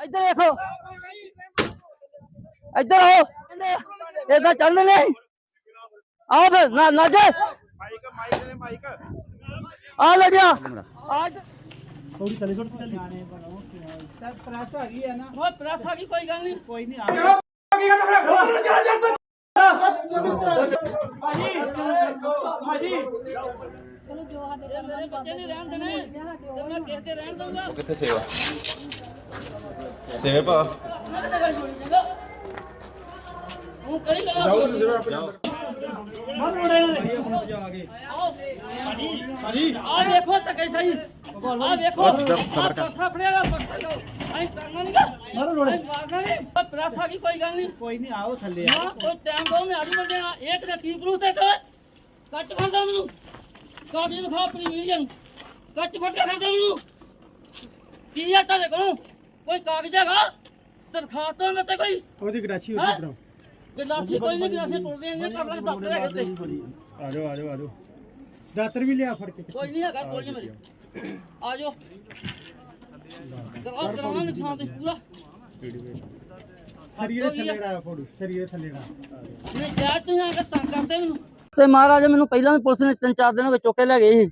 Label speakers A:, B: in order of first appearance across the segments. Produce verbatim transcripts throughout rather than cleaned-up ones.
A: ਇੱਧਰ ਦੇਖੋ, ਇੱਧਰ ਆਓ, ਏਦਾਂ ਚੱਲਦੇ ਨੇ। ਆਓ ਫਿਰ ਨਾ ਨਾ ਜੇ
B: ਮਾਈਕ ਮਾਈਕ ਦੇ ਮਾਈਕ
A: ਆ ਲੱਗਿਆ ਅੱਜ
C: ਥੋੜੀ ਥੱਲੇ ਛੋੜ ਕੇ ਨਿਆਣੇ ਬਣੋ ਸਰ ਪ੍ਰੈਸ ਆ ਗਈ ਹੈ ਨਾ
A: ਉਹ ਪ੍ਰੈਸ ਆ ਗਈ, ਕੋਈ ਗੱਲ ਨਹੀਂ,
C: ਕੋਈ ਨਹੀਂ ਆ ਭਾਜੀ
A: ਚਲੋ ਜੋ ਸਾਡੇ ਮੇਰੇ ਬੱਚੇ ਨਹੀਂ ਰਹਿਣ ਦੇਣੇ ਤੇ ਮੈਂ ਕਿਸੇ ਦੇ ਰਹਿਣ ਦਊਂਗਾ।
B: ਕਿੱਥੇ ਸੇਵਾ ਸੇਵੇ ਭਾ
A: ਉਹ ਕਰੀ ਗਾ
B: ਜਾਓ
A: ਮਨ ਉੜੇ ਨੇ
C: ਜਾ ਕੇ
A: ਆਓ
C: ਭਾਜੀ
A: ਆ ਦੇਖੋ ਧੱਕੇ ਸਹੀ, ਆ ਦੇਖੋ ਸਾਫੜਿਆ ਦਾ ਪੱਟਾ ਲਓ, ਐਂ ਕਰਨਾ ਨਹੀਂ ਗਾ,
C: ਮਾਰੋ ਰੋੜੇ
A: ਮਾਰਨਾ ਨਹੀਂ। ਪ੍ਰੈਸ ਆ ਗਈ, ਕੋਈ ਗੱਲ ਨਹੀਂ,
C: ਕੋਈ ਨਹੀਂ ਆਓ ਥੱਲੇ
A: ਨਾ ਕੋਈ ਟਾਈਮ ਦੋ, ਮੈਂ ਆੜੀ ਬੰਦੇ ਨਾ ਇੱਕ ਦਾ ਕੀ ਪ੍ਰੂਫ ਤੇ ਕਰ ਕੱਟ ਖਾਂਦਾ ਮੈਨੂੰ ਕਾਦੀ ਨੂੰ ਖਾ ਆਪਣੀ ਵੀਡੀਓ ਕੱਟ ਫੜ ਕੇ ਖਾਂਦਾ ਮੈਨੂੰ ਕੀ ਆ ਤੁਹਾਡੇ ਕੋਲ ਕੋਈ ਕਾਗਜ਼ ਹੈਗਾ ਦਰਖਾਸਤ ਮੈਂ ਤੇ ਕੋਈ
C: ਉਹਦੀ ਗਰਾਸ਼ੀ
A: ਹੈਂ? ਗਲਾਸੀ ਕੋਈ ਨਹੀਂ, ਗਲਾਸੀ ਟੁੱਟਦੇ ਨੇ ਕਰ ਲਾਂਗੇ ਡਾਕਟਰ ਹੈਗੇ ਤੇ
C: ਆ ਜਾਓ ਆ ਜਾਓ ਆ ਜਾਓ ਦਾਤਰ ਵੀ ਲਿਆ ਫੜ ਕੇ
A: ਕੋਈ ਨਹੀਂ ਹੈਗਾ ਗੋਲੀ ਮੇਰੀ ਆ ਜਾਓ ਕਰਾਓ ਕਰਾਉਣਾ ਨੁਕਸਾਨ ਤੇ ਪੂਰਾ
C: ਸਰੀਏ ਥੱਲੇ ੜਾ ਫੋੜੂ ਸਰੀਏ ਥੱਲੇ ੜਾ
A: ਨਹੀਂ ਜਾ ਤੁਸੀਂ ਆ ਕੇ ਤੰਗ ਕਰਦੇ ਮੈਨੂੰ ਤੇ ਮਹਾਰਾਜ ਮੈਨੂੰ ਪਹਿਲਾਂ ਵੀ ਪੁਲਿਸ ਨੇ ਤਿੰਨ ਚਾਰ ਦਿਨ ਹੋ ਗਏ ਚੁੱਕ ਕੇ ਲੈ ਗਏ ਸੀ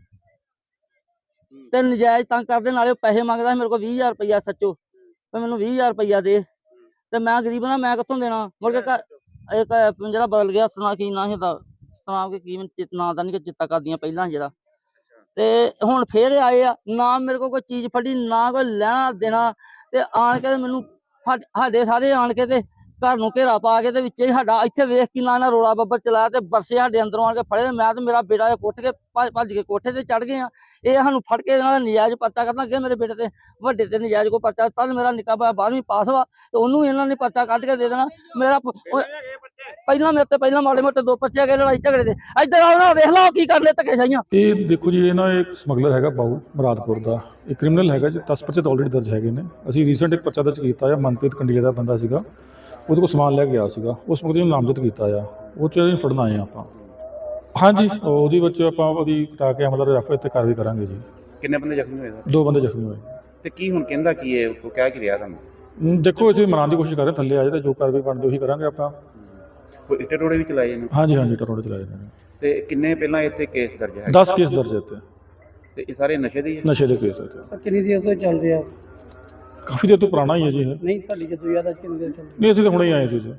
A: ਤੇ ਨਜਾਇਜ਼ ਤੰਗ ਕਰਦੇ, ਨਾਲੇ ਉਹ ਪੈਸੇ ਮੰਗਦਾ ਸੀ ਮੇਰੇ ਕੋਲ ਵੀਹ ਹਜ਼ਾਰ ਰੁਪਇਆ ਸੱਚੋ, ਤੇ ਮੈਨੂੰ ਵੀਹ ਹਜ਼ਾਰ ਰੁਪਇਆ ਦੇ, ਤੇ ਮੈਂ ਗਰੀਬ ਨਾ ਮੈਂ ਕਿੱਥੋਂ ਦੇਣਾ। ਮੁੜ ਕੇ ਇੱਕ ਜਿਹੜਾ ਬਦਲ ਗਿਆ ਸਨਾ ਕੀ ਨਾ ਸੀ ਸਨਾਮ ਕੇ ਕੀ ਨਾਂ ਦਾ ਨਹੀਂ ਚਿੱਤਾ ਕਰਦੀਆਂ ਪਹਿਲਾਂ ਜਿਹੜਾ, ਤੇ ਹੁਣ ਫੇਰ ਆਏ ਆ ਨਾ ਮੇਰੇ ਕੋਲ ਕੋਈ ਚੀਜ਼ ਫੜੀ ਨਾ ਕੋਈ ਲੈਣਾ ਦੇਣਾ, ਤੇ ਆਣ ਕੇ ਮੈਨੂੰ ਸਾਡੇ ਸਾਰੇ ਆਣ ਕੇ ਤੇ ਘਰ ਨੂੰ ਘੇਰਾ ਪਾ ਕੇ ਤੇ ਵਿੱਚ ਹੀ ਸਾਡਾ ਇੱਥੇ ਵੇਖ ਕੇ ਨਾ ਰੋਲਾ ਬੱਬਰ ਚਲਾਇਆ ਤੇ ਬਰਸੇ ਸਾਡੇ ਅੰਦਰੋਂ ਆਣ ਕੇ ਫੜੇ, ਮੈਂ ਤੇ ਮੇਰਾ ਬੇਟਾ ਕੁੱਟ ਕੇ ਭੱਜ ਕੇ ਕੋਠੇ ਤੇ ਚੜ ਗਏ ਆ। ਇਹ ਸਾਨੂੰ ਫੜ ਕੇ ਇਹਨਾਂ ਦਾ ਨਜਾਇਜ਼ ਪਰਚਾ ਕਰਨਾ ਅੱਗੇ ਮੇਰੇ ਬੇਟੇ ਤੇ ਵੱਡੇ ਤੇ ਨਜਾਇਜ਼ ਕੋ ਪਰਚਾ ਤਦ ਮੇਰਾ ਨਿੱਕਾ ਭਾਈ ਬਾਰਵੀਂ ਪਾਸ ਵਾ ਤੇ ਉਹਨੂੰ ਇਹਨਾਂ ਨੇ ਪਰਚਾ ਕੱਢ ਕੇ ਦੇ ਦੇਣਾ। ਮੇਰਾ ਪਹਿਲਾਂ ਮੇਰੇ ਤੇ ਪਹਿਲਾਂ ਮਾੜੇ ਮੋਟੇ ਦੋ ਪਰਚੇ ਗਏ ਲੜਾਈ ਝਗੜੇ ਦੇ, ਇੱਧਰ ਆਓ ਨਾ ਵੇਖ ਲਓ ਕੀ ਕਰਨੇ ਧੱਕੇ ਸਾਈਆਂ।
D: ਇਹ ਦੇਖੋ ਜੀ, ਇਹ ਨਾ ਇੱਕ ਸਮਗਲਰ ਹੈਗਾ ਬਾਊ ਮੁਰਾਦਪੁਰ ਦਾ, ਇਹ ਕ੍ਰਿਮੀਨਲ ਹੈਗਾ ਜੀ, ਦਸ ਪਰਚੇ ਤਾਂ ਆਲਰੇਡੀ ਦਰਜ ਹੈਗੇ ਨੇ। ਅਸੀਂ ਰੀਸੈਂਟ ਇੱਕ ਪਰਚਾ ਦਰਜ ਕੀਤਾ ਆ, ਮਨਪ੍ਰੀਤ ਕੰਡੀਲੇ ਦਾ ਬੰਦਾ ਸੀਗਾ, ਉਹਦੇ ਕੋਲ ਸਮਾਨ ਲੈ ਕੇ ਗਿਆ ਸੀਗਾ, ਉਸ ਮੁਕਦੇ ਨੂੰ ਨਾਮਜ਼ਦ ਕੀਤਾ ਆ, ਉਹ 'ਚ ਅਸੀਂ ਫੜਨ ਆਏ ਆ ਆਪਾਂ। ਹਾਂਜੀ ਉਹਦੇ ਵਿੱਚ ਆਪਾਂ ਉਹਦੀ ਕਟਾ ਕੇ ਮਤਲਬ ਰੈਫਰ ਤੇ ਕਾਰਵਾਈ ਕਰਾਂਗੇ ਜੀ।
B: ਕਿੰਨੇ ਬੰਦੇ ਜ਼ਖਮੀ ਹੋਏ ਸਰ?
D: ਦੋ ਬੰਦੇ ਜ਼ਖਮੀ ਹੋਏ।
B: ਤੇ ਕੀ ਹੁਣ ਕਹਿੰਦਾ ਕੀ ਹੈ ਉਹ ਕਹਿ ਕੀ ਰਿਹਾ ਤੁਹਾਨੂੰ?
D: ਹਮ, ਦੇਖੋ ਅਸੀਂ ਮਨਾਉਣ ਦੀ ਕੋਸ਼ਿਸ਼ ਕਰ ਰਹੇ, ਥੱਲੇ ਆ ਜਾਏ ਤਾਂ ਜੋ ਕਾਰਵਾਈ ਬਣਦੀ ਉਹੀ ਕਰਾਂਗੇ ਆਪਾਂ।
B: ਕੋਈ ਇੱਟੇ ਟੋੜੇ ਵੀ ਚਲਾਏ ਨੇ?
D: ਹਾਂਜੀ ਹਾਂਜੀ ਟਰੋੜੇ ਚਲਾਏ ਨੇ।
B: ਤੇ ਕਿੰਨੇ ਪਹਿਲਾਂ ਇੱਥੇ ਕੇਸ ਦਰਜ ਹੈ?
D: ਦਸ ਕੇਸ ਦਰਜ ਇੱਥੇ,
B: ਤੇ ਇਹ ਸਾਰੇ ਨਸ਼ੇ ਦੇ ਹੀ ਹੈ?
D: ਨਸ਼ੇ ਦੇ ਕੇਸ ਇੱਥੇ।
C: ਕਿੰਨੀ ਦੇਰ ਤੋਂ ਚੱਲਦੇ ਆ?
D: ਕਾਫੀ ਦੇਰ ਤੋਂ ਪੁਰਾਣਾ ਹੀ ਹੈ ਜੀ ਇਹ।
C: ਨਹੀਂ ਤੁਹਾਡੀ ਜਦੋਂ ਯਾਦ ਆ ਕਿੰਨੀ ਦੇਰ ਚੱਲਦੇ?
D: ਨਹੀਂ ਅਸੀਂ ਤਾਂ ਹੁਣੇ ਹੀ ਆਏ ਸੀ ਜੀ,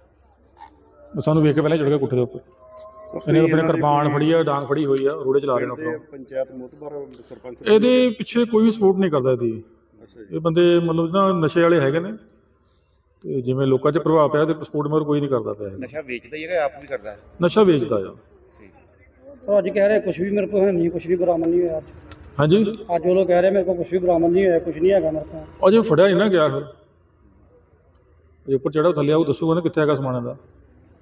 D: ਸਾਨੂੰ ਵੇਖ ਕੇ ਪਹਿਲਾਂ ਚੜ ਗਿਆ ਕੋਠੇ ਦੇ ਉੱਪਰ। ਇਹਨੇ ਆਪਣੇ ਕਿਰਪਾਨ ਫੜੀ ਆ, ਡਾਂਗ ਫੜੀ ਹੋਈ ਆ, ਰੋੜੇ ਚਲਾ ਰਹੇ ਨੇ ਆਪਣਾ।
B: ਪੰਚਾਇਤ ਮੁਤਬਰ ਸਰਪੰਚ
D: ਇਹਦੇ ਪਿੱਛੇ ਕੋਈ ਵੀ ਸਪੋਰਟ ਨਹੀਂ ਕਰਦਾ ਇਹਦੀ। ਇਹ ਬੰਦੇ ਮਤਲਬ ਨਾ ਨਸ਼ੇ ਵਾਲੇ ਹੈਗੇ ਨੇ, ਤੇ ਜਿਵੇਂ ਲੋਕਾਂ 'ਚ ਪ੍ਰਭਾਵ ਪਿਆ ਤੇ ਸਪੋਰਟ ਮਗਰ ਕੋਈ ਨਹੀਂ ਕਰਦਾ ਪਿਆ।
B: ਨਸ਼ਾ ਵੇਚਦਾ ਹੀ ਹੈਗਾ, ਆਪ ਵੀ ਕਰਦਾ ਹੈ?
D: ਨਸ਼ਾ ਵੇਚਦਾ ਆ।
C: ਉਹ ਅੱਜ ਕਹਿ ਰਹੇ ਕੁਝ ਵੀ ਮੇਰੇ ਕੋਲ ਹੈ ਨਹੀਂ, ਕੁਝ ਵੀ ਬਰਾਮਦ ਨਹੀਂ ਹੋਇਆ।
D: ਹਾਂਜੀ
C: ਅੱਜ ਉਹ ਲੋਕ ਕਹਿ ਰਹੇ ਮੇਰੇ ਕੋਲ ਕੁਝ ਵੀ ਬਰਾਮਦ ਨਹੀਂ ਹੋਇਆ, ਕੁਝ ਨਹੀਂ ਹੈਗਾ ਮੇਰੇ ਕੋਲ।
D: ਅਜੇ ਫੜਿਆ ਨਹੀਂ ਨਾ ਗਿਆ, ਫਿਰ ਜੇ ਉੱਪਰ ਚੜਾ ਥੱਲੇ ਆਊ ਦੱਸੂਗਾ ਨਾ ਕਿੱਥੇ ਹੈਗਾ ਸਮਾਨ ਦਾ।